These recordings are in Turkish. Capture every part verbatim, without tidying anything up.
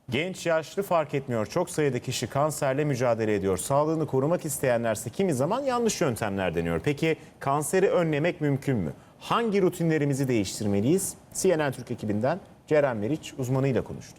Genç yaşlı fark etmiyor. Çok sayıda kişi kanserle mücadele ediyor. Sağlığını korumak isteyenlerse kimi zaman yanlış yöntemler deniyor. Peki kanseri önlemek mümkün mü? Hangi rutinlerimizi değiştirmeliyiz? C N N Türk ekibinden Ceren Meriç uzmanıyla konuştu.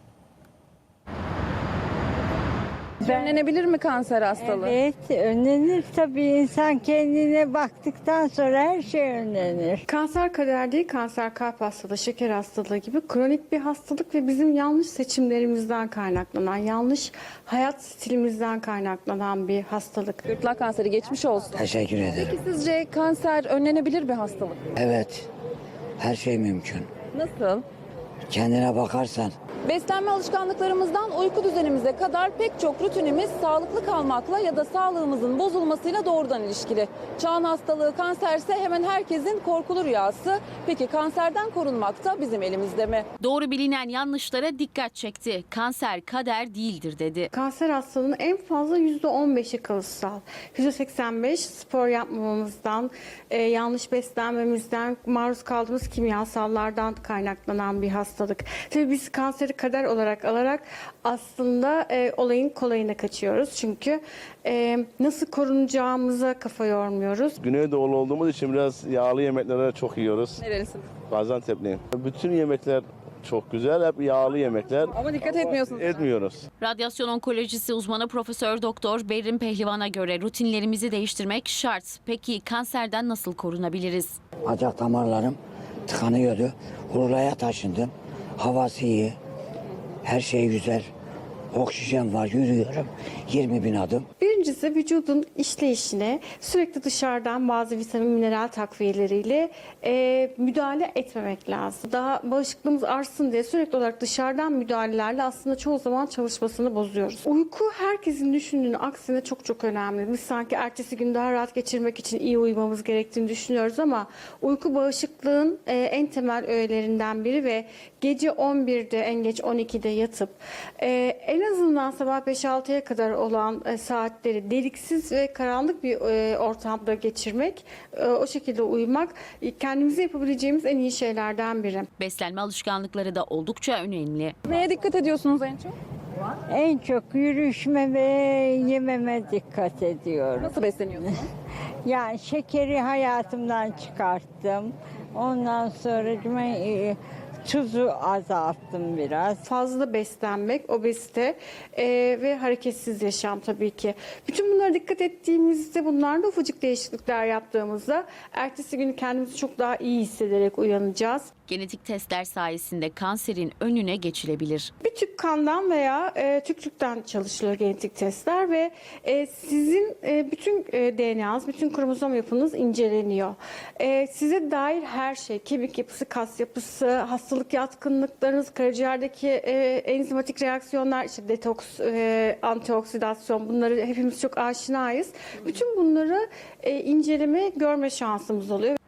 Önlenebilir mi kanser hastalığı? Evet, önlenir tabii. İnsan kendine baktıktan sonra her şey önlenir. Kanser kader değil, kanser kalp hastalığı, şeker hastalığı gibi kronik bir hastalık ve bizim yanlış seçimlerimizden kaynaklanan, yanlış hayat stilimizden kaynaklanan bir hastalık. Gırtlak kanseri geçmiş olsun. Teşekkür ederim. Peki sizce kanser önlenebilir bir hastalık? Evet, her şey mümkün. Nasıl? Kendine bakarsan. Beslenme alışkanlıklarımızdan uyku düzenimize kadar pek çok rutinimiz sağlıklı kalmakla ya da sağlığımızın bozulmasıyla doğrudan ilişkili. Çağın hastalığı kanserse hemen herkesin korkulu rüyası. Peki kanserden korunmak da bizim elimizde mi? Doğru bilinen yanlışlara dikkat çekti. Kanser kader değildir dedi. Kanser hastalığının en fazla yüzde on beşi kalıtsal. yüzde seksen beş spor yapmamamızdan, e, yanlış beslenmemizden, maruz kaldığımız kimyasallardan kaynaklanan bir hastalık. Tabii biz kanseri kader olarak alarak aslında e, olayın kolayına kaçıyoruz. Çünkü e, nasıl korunacağımıza kafa yormuyoruz. Güneydoğulu olduğumuz için biraz yağlı yemekleri çok yiyoruz. Nerelisin? Gaziantep'liyim. Bütün yemekler çok güzel, hep yağlı yemekler. Ama dikkat etmiyorsunuz. Etmiyoruz. Radyasyon onkolojisi uzmanı Profesör Doktor Berrin Pehlivan'a göre rutinlerimizi değiştirmek şart. Peki kanserden nasıl korunabiliriz? Bacak damarlarım tıkanıyordu. Urla'ya taşındım. Havası iyi. Her şey güzel. Oksijen var, yürüyorum. yirmi bin adım. Birincisi vücudun işleyişine sürekli dışarıdan bazı vitamin, mineral takviyeleriyle e, müdahale etmemek lazım. Daha bağışıklığımız artsın diye sürekli olarak dışarıdan müdahalelerle aslında çoğu zaman çalışmasını bozuyoruz. Uyku herkesin düşündüğünün aksine çok çok önemli. Biz sanki ertesi gün daha rahat geçirmek için iyi uyumamız gerektiğini düşünüyoruz ama uyku bağışıklığın e, en temel öğelerinden biri ve gece on birde en geç on ikide yatıp e, en azından sabah beş altıya kadar olan e, saatleri deliksiz ve karanlık bir e, ortamda geçirmek, e, o şekilde uyumak e, kendimize yapabileceğimiz en iyi şeylerden biri. Beslenme alışkanlıkları da oldukça önemli. Neye dikkat ediyorsunuz en çok? En çok yürüyüşme ve yememe dikkat ediyorum. Nasıl besleniyorsunuz? Yani şekeri hayatımdan çıkarttım. Ondan sonra e, tuzu azalttım biraz. Fazla beslenmek, obezite e, ve hareketsiz yaşam tabii ki. Bütün bunlara dikkat ettiğimizde, bunlarda ufacık değişiklikler yaptığımızda ertesi gün kendimizi çok daha iyi hissederek uyanacağız. Genetik testler sayesinde kanserin önüne geçilebilir. Bir tüp kandan veya e, tükürükten çalışılıyor genetik testler ve e, sizin e, bütün e, D N A'nız, bütün kromozom yapınız inceleniyor. E, size dair her şey, kemik yapısı, kas yapısı, hastalık yatkınlıklarınız, karaciğerdeki e, enzimatik reaksiyonlar, işte detoks, e, antioksidasyon, bunları hepimiz çok aşinayız. Bütün bunları e, inceleme, görme şansımız oluyor.